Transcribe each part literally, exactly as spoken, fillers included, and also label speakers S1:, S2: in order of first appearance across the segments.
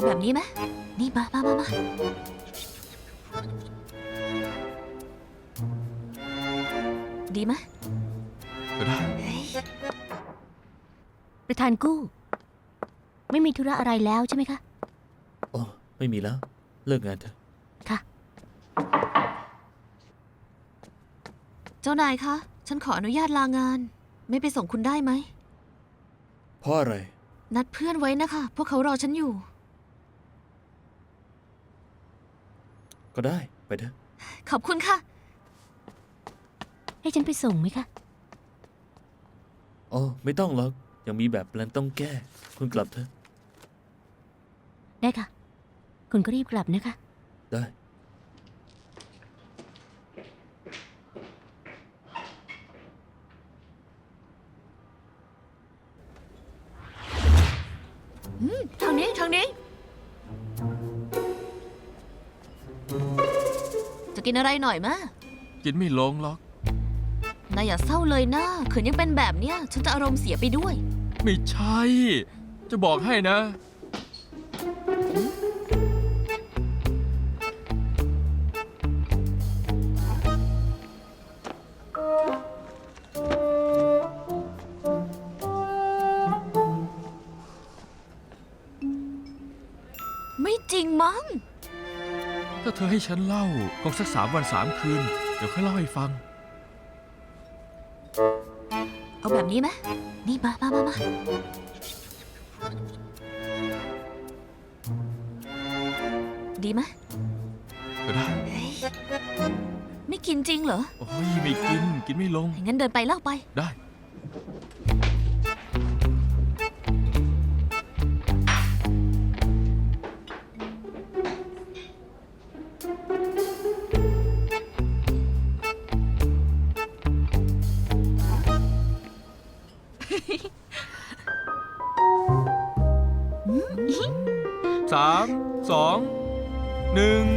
S1: เอาแบบนี้ไหมนี่มามามามาดีไหม
S2: ก็ได้
S3: ประธานกู้ ไม่มีธุระอะไรแล้วใช่ไหมคะ
S4: อ๋อไม่มีแล้ว เลิกงานเถอะ
S3: ค่ะ
S1: เจ้านายคะ ฉันขออนุญาตลางาน ไม่ไปส่งคุณได้ไหม
S4: เพราะอะไร
S1: นัดเพื่อนไว้นะคะ พวกเขารอฉันอยู่
S4: ก็ได้ไปเถอะ
S1: ขอบคุณค่ะ
S3: ให้ฉันไปส่งไหมคะ
S4: อ๋อไม่ต้องหรอกยังมีแบบแปลนต้องแก้ คุณกลับเถอะ
S3: ได้ค่ะ คุณก็รีบกลับนะคะ
S4: ได้
S1: ทางนี้ทางนี้ จะกินอะไรหน่อยมะ
S2: กินไม่ลงหรอก
S1: นายอย่าเศร้าเลยนะขืนยังเป็นแบบเนี้ย ฉันจะอารมณ์เสียไปด้วย
S2: ไม่ใช่ จะบอกให้นะ
S1: ไม่จริงมั้ง
S2: ถ้าเธอให้ฉันเล่าคงสักสามวันสามคืน เดี๋ยวค่อยเล่าให้ฟัง
S1: เอาแบบนี้ไหมนี่มามามามาดีไหม
S2: ก็ได้
S1: ไม่กินจริงเหรอ
S2: โอ้ยไม่กิน กินไม่ลง
S1: งั้นเดินไปเล่าไป
S2: ได้ สาม สอง หนึ่ง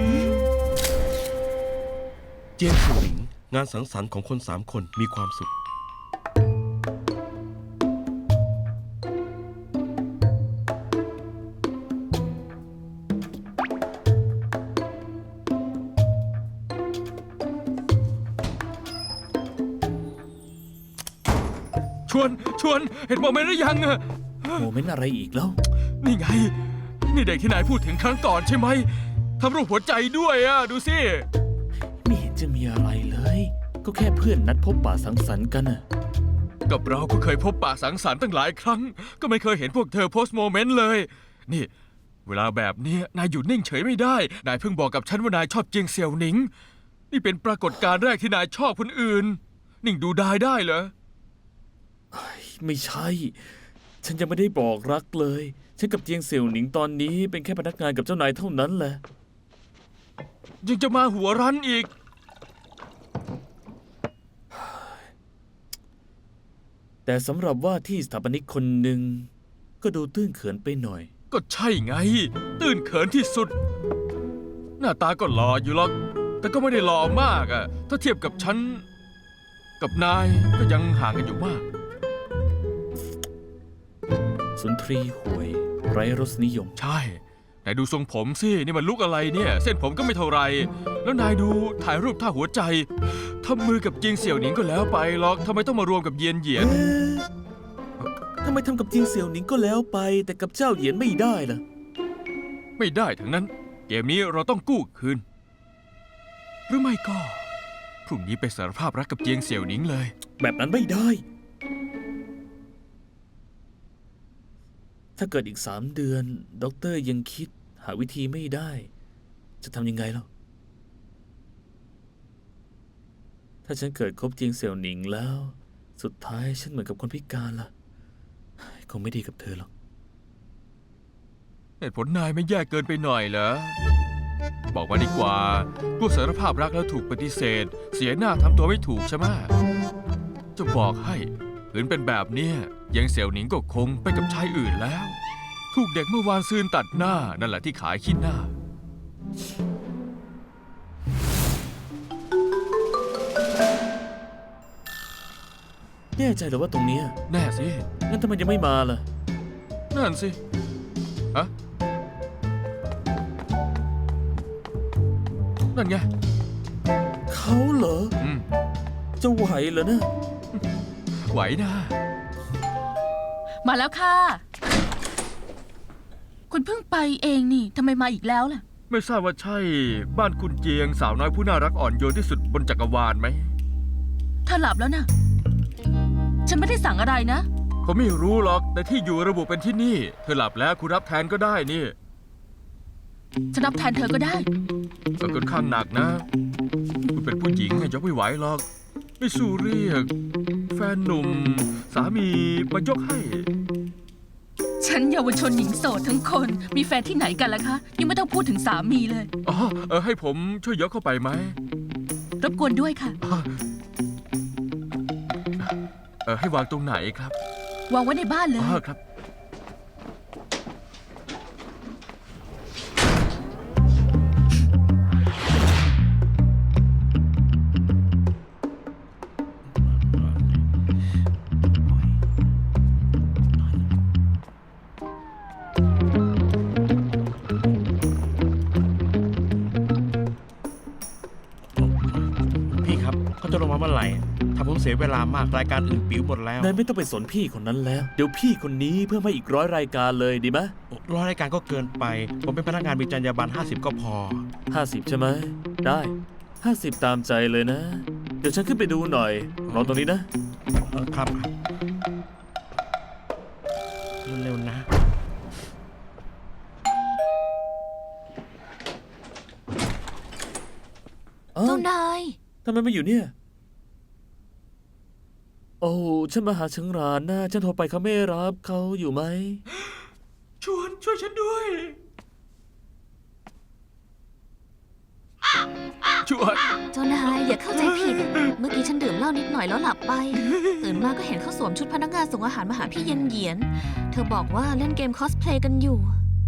S5: เจียนสู่หลิงงานสังสรรค์ของคนสามคนมีความสุข
S2: ชวน ชวน เห็นโมเมนต์หรือยังอะ
S4: โมเมนต์อะไรอีกแล้ว
S2: นี่ไง นี่เด็กที่นายพูดถึงครั้งก่อนใช่ไหม ทำรูปหัวใจด้วยอะดูสิ
S4: ไม่เห็นจะมีอะไรเลย ก็แค่เพื่อนนัดพบป่าสังสรรค์กันน่ะ
S2: กับเราก็เคยพบปะสังสรรค์ตั้งหลายครั้ง ก็ไม่เคยเห็นพวกเธอโพสต์โมเมนต์เลย นี่ เวลาแบบเนี้ยนายอยู่นิ่งเฉยไม่ได้ นายเพิ่งบอกกับฉันว่านายชอบเจียงเสี่ยวหนิง นี่เป็นปรากฏการณ์แรกที่นายชอบคนอื่น นิ่งดูได้ได้เหรอ
S4: ไม่ใช่ ฉันยังไม่ได้บอกรักเลย ฉันกับเจียงเสี่ยวหนิงตอนนี้เป็นแค่พนักงานกับเจ้านายเท่านั้นแหละ
S2: ยังจะมาหัวรั้นอีก
S4: แต่สำหรับว่าที่สถาปนิกคนหนึ่งก็ดูตื้นเขินไปหน่อย
S2: ก็ใช่ไง ตื่นเขินที่สุด หน้าตาก็หล่ออยู่หรอก แต่ก็ไม่ได้หล่อมากอะถ้าเทียบกับฉัน กับนายก็ยังห่างกันอยู่มาก
S4: สุนทรีห่วย ไร้รสนิยม
S2: ใช่ นายดูทรงผมสิ นี่มันลุกอะไรเนี่ย เส้นผมก็ไม่เท่าไร แล้วนายดูถ่ายรูปท่าหัวใจทำมือกับเจียงเสี่ยวหนิงก็แล้วไปหรอกทำไมต้องมารวมกับเยียนเหยียน
S4: เอ๊ะทำไมทำกับเจียงเสี่ยวหนิงก็แล้วไป แต่กับเจ้าเหยียนไม่ได้ล่ะ
S2: ไม่ได้ทั้งนั้น เกมนี้เราต้องกู้คืน หรือไม่ก็ พรุ่งนี้ไปสารภาพรักกับเจียงเสี่ยวหนิงเลย
S4: แบบนั้นไม่ได้ ถ้าเกิดอีกสามเดือน ด็อกเตอร์ยังคิดหาวิธีไม่ได้ จะทำยังไงล่ะ ถ้าฉันเกิดคบเจียงเสี่ยวหนิงแล้ว สุดท้ายฉันเหมือนกับคนพิการล่ะ คงไม่ดีกับเธอหรอก
S2: เหตุผลนายไม่แย่เกินไปหน่อยเหรอ บอกมาดีกว่าพวกสารภาพรักแล้วถูกปฏิเสธ เสียหน้าทำตัวไม่ถูกใช่ไหมจะบอกให้ขืนเป็นแบบเนี้ยยังเสี่ยวหนิงก็คงไปกับชายอื่นแล้ว ถูกเด็กเมื่อวานซืนตัดหน้า นั่นแหละที่ขายขี้หน้า
S4: แน่ใจเหรือว่าตรงเนี้ย
S2: แน่สิ
S4: งั้นทำไมยังไม่มาล่ะ
S2: นั่นสิ ฮะนั่นไง
S4: เขาเหรอ
S2: อืม
S4: จะไหวเหรอนะ
S2: ไหวนะ
S6: มาแล้วค่ะ คุณเพิ่งไปเองนี่ทำไมมาอีกแล้วล่ะ
S2: ไม่ทราบว่าใช่บ้านคุณเจียงสาวน้อยผู้น่ารักอ่อนโยนที่สุดบนจักรวาลไหม
S6: เธอหลับแล้วนะฉันไม่ได้สั่งอะไรนะ
S2: ผมไม่รู้หรอกแต่ที่อยู่ระบุเป็นที่นี่ เธอหลับแล้วคุณรับแทนก็ได้นี่
S6: ฉันรับแทนเธอก็ได้
S2: ก็ค่อนข้างหนักนะ คุณเป็นผู้หญิงยกไม่ไหวหรอก ไม่สู้เรียก แฟนหนุ่ม สามีมายกให้
S6: ฉันเยาวชนหญิงโสดทั้งคน มีแฟนที่ไหนกันล่ะคะ ยังไม่ต้องพูดถึงสามีเลย
S2: อ๋อเออให้ผมช่วยยกเข้าไปไหม
S6: รบกวนด้วยค่ะ
S2: เออให้วางตรงไหนครับ
S6: วางไว้ในบ้านเลย
S2: อ๋อครับ
S5: พี่ครับเขาจะลงมาเมื่อไหร่ทำผมเสียเวลามากรายการอื่นปิวหมดแล้ว
S4: นายไม่ต้องไปสนพี่คนนั้นแล้ว เดี๋ยวพี่คนนี้เพิ่มให้อีกร้อยรายการเลยดีไหม
S5: ร้อยรายการก็เกินไป ผมเป็นพนักงานมีจรรยาบรรณห้าสิบก็พอ
S4: ห้าสิบใช่ไหม ได้ห้าสิบตามใจเลยนะ เดี๋ยวฉันขึ้นไปดูหน่อย รอตรงนี้นะ
S5: เออครับเร็วๆนะ
S4: เอ้า
S1: เจ้านาย
S4: ทำไมไม่อยู่เนี่ย โอ้ ฉันมาหาเชิงรานนะฉันโทรไปเขาไม่รับเขาอยู่ไหม
S2: ชวนช่วยฉันด้วย ชวน
S1: เจ้านายอย่าเข้าใจผิด เมื่อกี้ฉันดื่มเหล้านิดหน่อยแล้วหลับไป ตื่นมาก็เห็นเขาสวมชุดพนักงานส่งอาหารมาหาพี่เย็นเหยียน เธอบอกว่าเล่นเกมคอสเพลย์กันอยู่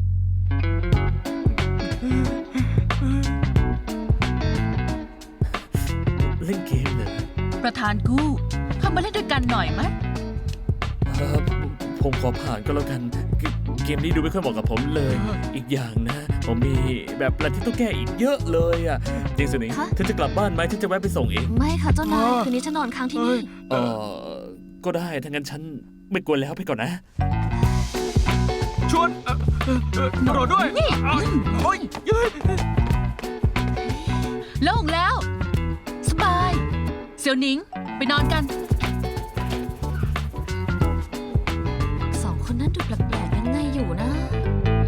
S4: เล่นเกมเหรอ
S6: ประธานกู้เข้ามาเล่นด้วยกันหน่อยไหม
S4: เอ่อผมขอผ่านก็แล้วกันเกเกมนี้ดูไม่ค่อยเหมาะกับผมเลย อีกอย่างนะ ผมมีแบบอะไรที่ต้องแก้อีกเยอะเลยอ่ะจริงสินิง
S1: คะ
S4: เธอจะกลับบ้านไหมฉันจะแวะไปส่งเอง
S1: ไม่ค่ะเจ้านาย คืนนี้ฉันนอนค้างที่นี่
S4: เออก็ได้ถ้างั้นฉันไม่กวนแล้วไปก่อนนะ
S2: ชวนเอ่อเอ่อเอ่อรอด้วยอ้าวโอ้ยเย้ย
S6: โล่งแล้ว สบาย เสี่ยวหนิง ไปนอนกัน